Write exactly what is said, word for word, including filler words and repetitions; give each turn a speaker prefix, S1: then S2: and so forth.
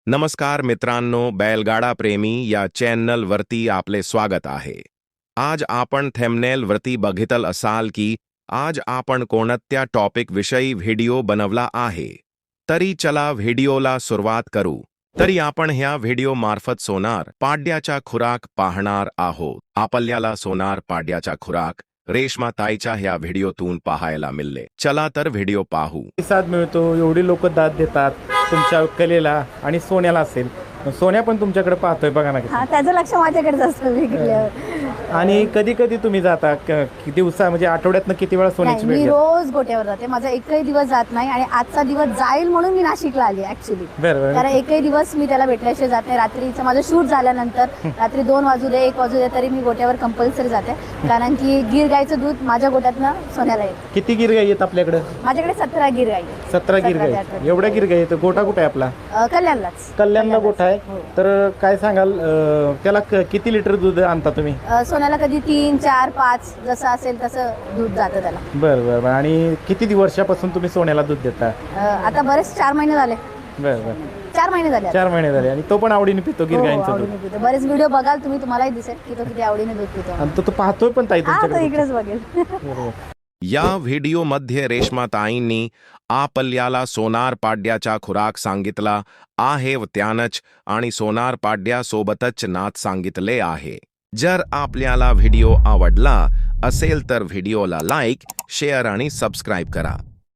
S1: नमस्कार मित्रांनो, बैलगाडा प्रेमी या चॅनल वरती आपले स्वागत आहे. आज आपण थंबनेल वरती बघितल असाल की आज आपण कोणत्या टॉपिक विषयी व्हिडिओ बनवला आहे. तरी चला व्हिडिओला सुरुवात करू. तरी आपण ह्या व्हिडिओ मार्फत सोनार पाड्याचा खुराक पाहणार आहोत. आपल्याला सोनार पाड्याचा खुराक रेश्मा ताईच्या ह्या व्हिडिओतून पाहायला मिळले. चला तर व्हिडिओ पाहू.
S2: प्रतिसाद मिळतो, एवढी लोक दाद देतात तुमच्या कलेला. आणि सोन्याला असेल, सोन्या पण तुमच्याकडे पाहतोय बघा ना.
S3: हा, त्याचं लक्ष माझ्याकडेच असतं विकल्यावर.
S2: आणि कधी कधी तुम्ही जाता क- किती दिवसा म्हणजे आठवड्यातनं किती वेळा सोन्याची
S3: नाही,
S2: भेट
S3: मी
S2: घेता?
S3: रोज गोट्यावर जाते. माझा एकही दिवस जात नाही आणि आजचा दिवस जाईल म्हणून मी नाशिकला आली ऍक्च्युली.
S2: बरं बरं.
S3: कारण एकही दिवस मी त्याला भेटल्याशिवाय जात नाही. रात्रीचं माझं शूट झाल्यानंतर रात्री दोन वाजू दे एक वाजू दे तरी मी गोट्यावर कंपल्सरी जाते. कारण की गिर गाईचं दूध माझ्या गोट्यातनं सोन्याला येतं.
S2: किती गिरगाई आहेत आपल्याकडे?
S3: माझ्याकडे सतरा गिर गाई आहेत.
S2: सतरा गिरगाई
S3: ते
S2: आहेत.
S3: अठरा.
S2: एवढ्या गिरगाई आहेत. गोठा कुठे आहे आपला?
S3: अं, कल्याणलाच
S2: कल्याणला गोठा आहे.
S3: हो.
S2: तर काय सांगाल, अं, त्याला क- किती लिटर दूध आणता तुम्ही?
S3: अं, सोन्याला कधी तीन चार पाच जसं असेल तसं दूध जातं त्याला.
S2: बरं बरं बरं. आणि किती वर्षापासून तुम्ही सोन्याला दूध देता?
S3: अं, आता बरेच चार महिने झाले.
S2: बरं बरं.
S3: चार महिने झाले आता.
S2: चार महिने झाले. आणि तो पण आवडीने पितो
S3: हो,
S2: गिरगाईंचं
S3: आवडीने
S2: दूध?
S3: पितो. बरेच व्हिडिओ बघाल तुम्ही, तुम्हालाही दिसेल की तो किती आवडीने दूध पितो.
S2: आणि तो तो पाहतोय पण ताई
S3: हा, तो
S2: तुमच्याकडे?
S3: इकडेच बघेल.
S2: बरोबर.
S1: या व्हिडिओमध्ये रेश्माताईंनी आपल्याला सोनार पाड्याचा खुराक सांगितला आहे व त्यानंच आणि सोनार पाड्यासोबतच नात सांगितले आहे. जर आपल्याला व्हिडिओ आवडला असेल तर व्हिडिओला लाईक, शेअर आणि सबस्क्राईब करा.